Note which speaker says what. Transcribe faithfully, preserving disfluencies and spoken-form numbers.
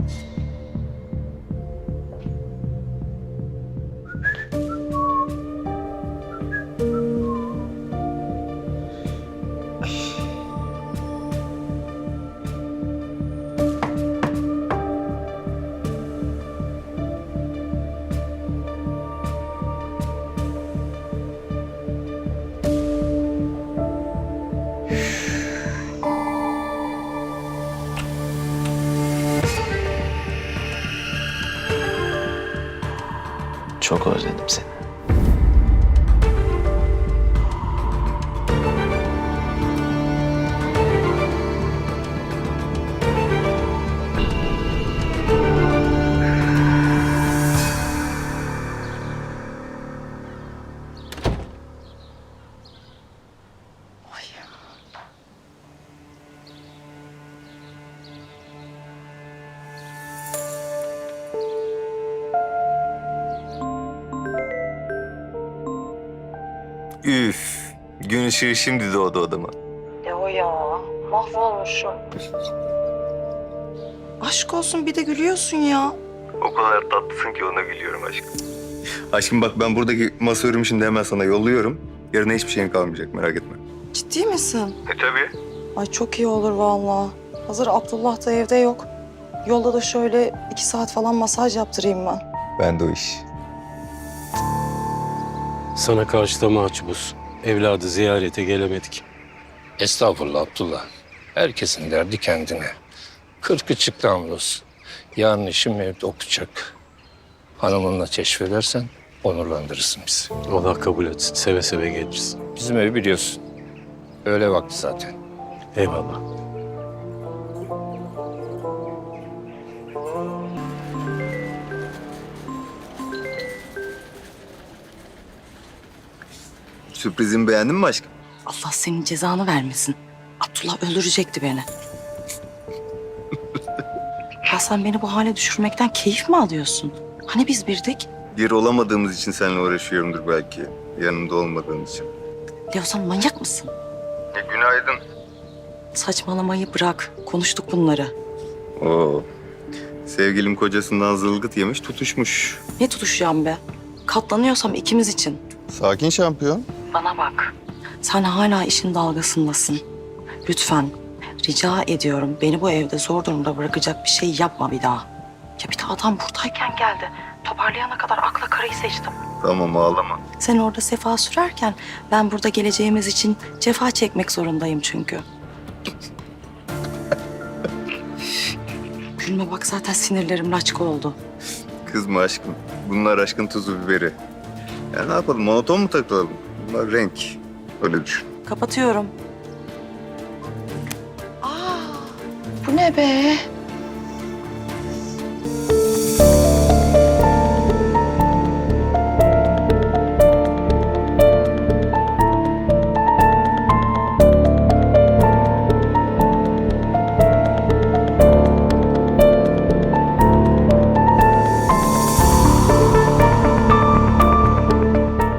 Speaker 1: Çok özledim seni.
Speaker 2: Üf, gün ışığı şimdi doğdu odama.
Speaker 3: Ya o ya, mahvolmuşum. Aşk olsun bir de gülüyorsun ya.
Speaker 2: O kadar tatlısın ki ona gülüyorum aşkım. Aşkım bak ben buradaki masa örümü şimdi hemen sana yolluyorum. Yarına hiçbir şeyin kalmayacak merak etme.
Speaker 3: Ciddi misin?
Speaker 2: E tabii.
Speaker 3: Ay çok iyi olur vallahi. Hazır Abdullah da evde yok. Yolda da şöyle iki saat falan masaj yaptırayım ben.
Speaker 2: Ben de o iş.
Speaker 4: Sana karşı da mahcubuz. Evladı ziyarete gelemedik.
Speaker 5: Estağfurullah Abdullah. Herkesin derdi kendine. Kırkı çıktı hamdolsun. Yarın işim evde okuyacak. Hanımınla keşfedersen onurlandırırsın bizi.
Speaker 4: Allah kabul etsin. Seve seve geliriz.
Speaker 5: Bizim evi biliyorsun. Öğle vakti zaten.
Speaker 4: Eyvallah.
Speaker 2: Sürprizimi beğendin mi aşkım?
Speaker 3: Allah senin cezanı vermesin. Abdullah öldürecekti beni. Ya sen beni bu hale düşürmekten keyif mi alıyorsun? Hani biz birdik?
Speaker 2: Bir olamadığımız için seninle uğraşıyorumdur belki. Yanımda olmadığın için.
Speaker 3: Ya sen manyak mısın?
Speaker 2: E, günaydın.
Speaker 3: Saçmalamayı bırak. Konuştuk bunları.
Speaker 2: Oo. Sevgilim kocasından zılgıt yemiş tutuşmuş.
Speaker 3: Ne tutuşacağım be? Katlanıyorsam ikimiz için.
Speaker 2: Sakin şampiyon.
Speaker 3: Bana bak. Sen hala işin dalgasındasın. Lütfen rica ediyorum beni bu evde zor durumda bırakacak bir şey yapma bir daha. Ya bir de adam buradayken geldi. Toparlayana kadar akla karayı seçtim.
Speaker 2: Tamam ağlama.
Speaker 3: Sen orada sefa sürerken ben burada geleceğimiz için cefa çekmek zorundayım çünkü. Gülme bak zaten sinirlerim laçka oldu.
Speaker 2: Kızma aşkım. Bunlar aşkın tuzu biberi. Ya ne yapalım monoton mu takılalım? Bunlar renk. Öyle düşün.
Speaker 3: Kapatıyorum. Aa, bu ne be?